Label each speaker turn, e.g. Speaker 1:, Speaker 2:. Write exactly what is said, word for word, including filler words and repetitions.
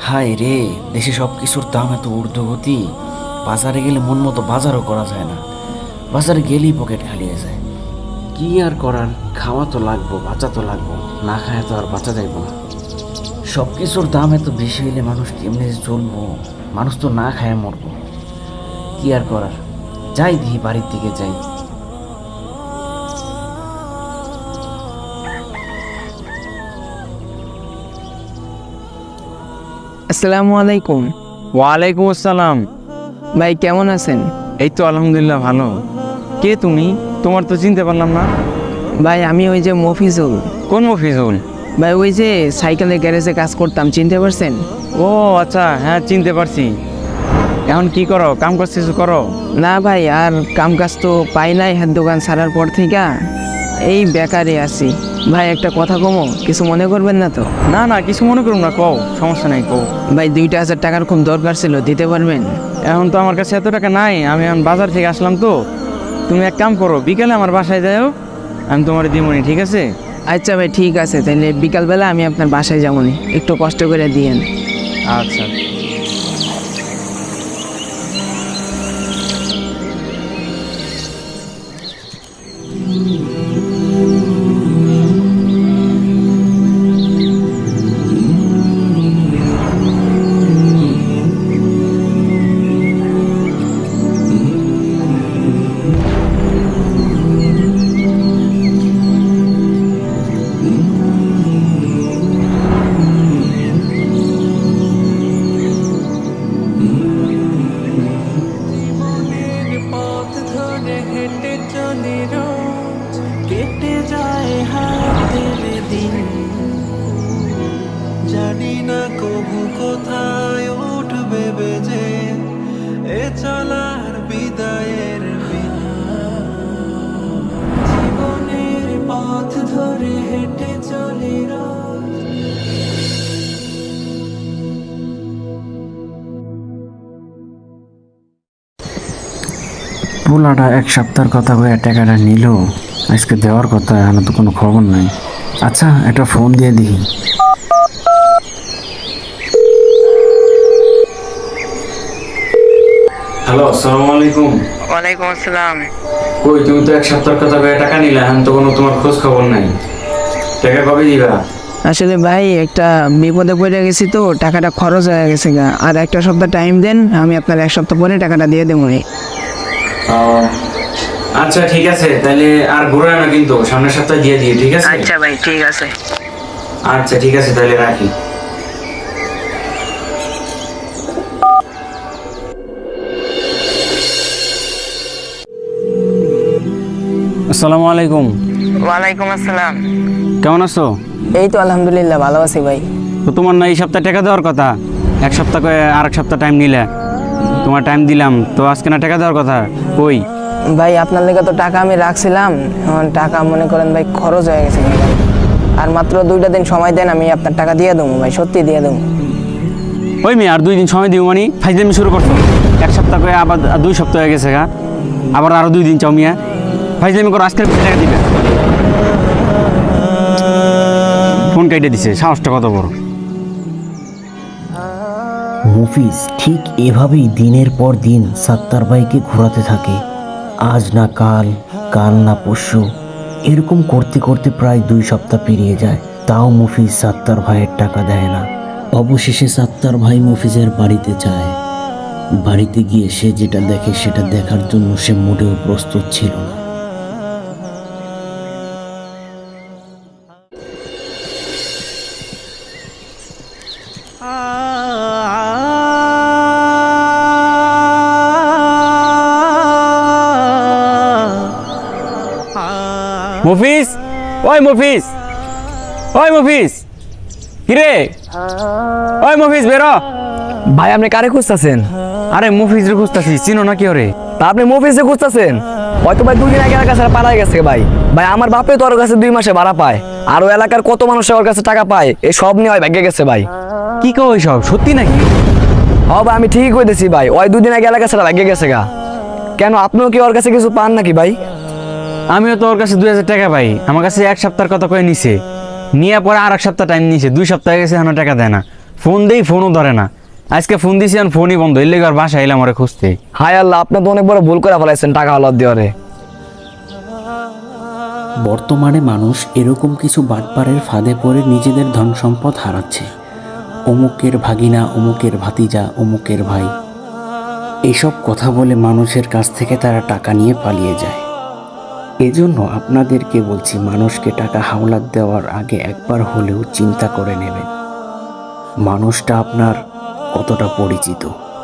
Speaker 1: হায় রে, দেশে সব কিছুর দাম এত ঊর্ধ্বগতি। বাজারে গেলে মন মতো বাজারও করা যায় না। বাজারে গেলেই পকেট খালি হয়ে যায়। কি আর করার, খাওয়া তো লাগবো, বাঁচা তো লাগবো, না খায় তো আর বাঁচা যাইব না। সব কিছুর দাম এত বেশি হইলে মানুষ কেমনে যে চলবো? মানুষ তো না খায় মরবো। কি আর করার, যাই দিই বাড়ির দিকে যাই।
Speaker 2: আসসালামু আলাইকুম।
Speaker 3: ওয়ালাইকুম আসসালাম।
Speaker 2: ভাই কেমন আছেন?
Speaker 3: এই তো আলহামদুলিল্লাহ ভালো। কে তুমি? তোমার তো চিনতে পারলাম না।
Speaker 2: ভাই আমি ওই যে মফিজুল।
Speaker 3: কোন মফিজুল?
Speaker 2: ভাই ওই যে সাইকেলের গ্যারেজে কাজ করতাম, চিনতে পারছেন?
Speaker 3: ও আচ্ছা, হ্যাঁ চিনতে পারছি। এখন কি করো? কাম করছিস? করো
Speaker 2: না ভাই, আর কাম কাজ তো পাই নাই হাত দোকান ছাড়ার পর থেকে, এই বেকারে আছি। ভাই একটা কথা কমো, কিছু মনে করবেন না তো?
Speaker 3: না না, কিছু মনে করুন না, কও, সমস্যা নাই, কও।
Speaker 2: ভাই দুইটা হাজার টাকার খুব দরকার ছিল, দিতে পারবেন?
Speaker 3: এখন তো আমার কাছে এত টাকা নাই, আমি এখন বাজার থেকে আসলাম তো। তুমি এক কাম করো, বিকালে আমার বাসায় যাও, আমি তোমার দিমনি, ঠিক আছে?
Speaker 2: আচ্ছা ভাই ঠিক আছে, তাহলে বিকালবেলা আমি আপনার বাসায় যাবনি, একটু কষ্ট করে দিয়েন।
Speaker 3: আচ্ছা।
Speaker 4: পথ ধরে হেঁটে চলি রোজ, কেটে যায় হাতের দিন, জানি না কবু কোথায় উঠবে বেজে এ চলার বিদায়ের বিন। জীবনের পথ ধরে হেঁটে চলি রোজ।
Speaker 1: পোলাটা এক সপ্তাহের কথা কয়ে টাকাটা নিল, আজকে দেওয়ার কথা, এখন তো কোনো খবর নাই। আচ্ছা একটা ফোন দিয়ে দিই। হ্যালো, আসসালামু আলাইকুম।
Speaker 2: ওয়ালাইকুম আসসালাম।
Speaker 1: কই, তুমি তো এক সপ্তাহের কথা কয়ে টাকা নিলা, এখন তো কোনো তোমার খোঁজ খবর নাই। টাকা কবে দিবা?
Speaker 2: আসলে ভাই একটা বিপদে পড়ে গেছি তো, টাকাটা খরচ হয়ে গেছে গা, আর একটা সপ্তাহ টাইম দেন, আমি আপনার এক সপ্তাহ পরে টাকাটা দিয়ে দেবো।
Speaker 1: ও আচ্ছা ঠিক আছে, তাহলে আর ঘুরায় না কিন্তু, সামনের সপ্তাহে দিয়ে দিই, ঠিক আছে?
Speaker 2: আচ্ছা ভাই ঠিক আছে।
Speaker 1: আচ্ছা ঠিক আছে, তাহলে রাখি।
Speaker 3: আসসালামু আলাইকুম।
Speaker 2: ওয়ালাইকুম আসসালাম।
Speaker 3: কেমন আছো?
Speaker 2: এই তো আলহামদুলিল্লাহ ভালো আছি ভাই।
Speaker 3: তো তোমার না এই সপ্তাহে টাকা দেওয়ার কথা, এক সপ্তাহ করে আর এক সপ্তাহ টাইম নিলে, তোমার টাইম দিলাম তো, আজকে না টাকা দেওয়ার কথা, কই?
Speaker 2: ভাই আপনার লেগে তো টাকা আমি রাখছিলাম, এখন টাকা মনে করেন ভাই খরচ হয়ে গেছে ভাই। আর মাত্র দুইটা দিন সময় দেন, আমি আপনার টাকা দিয়ে দেবো ভাই, সত্যি দিয়ে দেবো।
Speaker 3: ওই মেয়ে আর দুই দিন সময় দিব মানে ফাইজলামি শুরু করছো? এক সপ্তাহ করে আবার দুই সপ্তাহ হয়ে গেছে গা, আবার আরো দুই দিন চাও মিয়া? ফাইজলামি করো, আজকের টাকা দিবে। ফোন কেটে দিছে, সাহসটা কত বড়!
Speaker 1: মফিজ ঠিক এভাবেই দিনের পর দিন সাত্তার ভাইকে ঘোরাতে থাকে। আজ না কাল, কাল না পরশু, এরকম করতে করতে প্রায় দুই সপ্তাহ পেরিয়ে যায়, তাও মফিজ সাত্তার ভাইয়ের টাকা দেয় না। অবশেষে সাত্তার ভাই মফিজের বাড়িতে যায়। বাড়িতে গিয়ে সে যেটা দেখে সেটা দেখার জন্য সে মোটেও প্রস্তুত ছিল না।
Speaker 3: মফিজ, ওই মফিজ, ওই মফিজ, কিরে? ওই মফিজ বেরো।
Speaker 5: ভাই আপনি কারে খুঁজতেছেন?
Speaker 3: আরে মফিজ রে খুঁজতেছি, চিনো না কি ওরে?
Speaker 5: তা আপনি মফিজে খুঁজতেছেন? হয়তো ভাই দুই দিন আগে এলাকার কাছে পালাই গেছে ভাই। ভাই আমার বাপে তো ওর কাছে দুই মাসে ভাড়া পায়, আর ওই এলাকার কত মানুষ ওর কাছে টাকা পায়, এই সব নিয়ে ওই ভাগ্যে গেছে ভাই।
Speaker 3: কি কও সব সত্যি নাকি?
Speaker 5: হ ভাই আমি ঠিকই কইতেছি ভাই, ওই দুদিন আগে এলাকা ছাড়া ভাগ্যে গেছে গা। কেন আপনিও কি ওর কাছে কিছু পান নাকি ভাই?
Speaker 3: আমিও তো ওর কাছে দুই হাজার টাকা পাই, আমার কাছে এক সপ্তাহের কথা কয়ে নিছে, নিয়ে পরে আর এক সপ্তাহ টাইম নিছে, দুই সপ্তাহ হয়ে গেছে, এখনো টাকা দেয় না। ফোন দেই ফোনও ধরে না। আজকে ফোন দিছি আর ফোনই বন্ধ, এর লেগে আর বাসা এলাম ওরে খুঁজতে।
Speaker 5: হায় আল্লাহ, আপনি তো অনেক বড় ভুল করে ফেলাইছেন টাকা হলাদ দেওয়ারে।
Speaker 1: বর্তমানে মানুষ এরকম কিছু বাটপারের ফাঁদে পড়ে নিজেদের ধন সম্পদ হারাচ্ছে। অমুকের ভাগিনা, অমুকের ভাতিজা, অমুকের ভাই, এসব কথা বলে মানুষের কাছ থেকে তারা টাকা নিয়ে পালিয়ে যায়। এজন্য আপনাদেরকে বলছি, মানুষকে টাকা হাওলাত দেওয়ার আগে একবার হলেও চিন্তা করে নেবেন মানুষটা আপনার কতটা পরিচিত।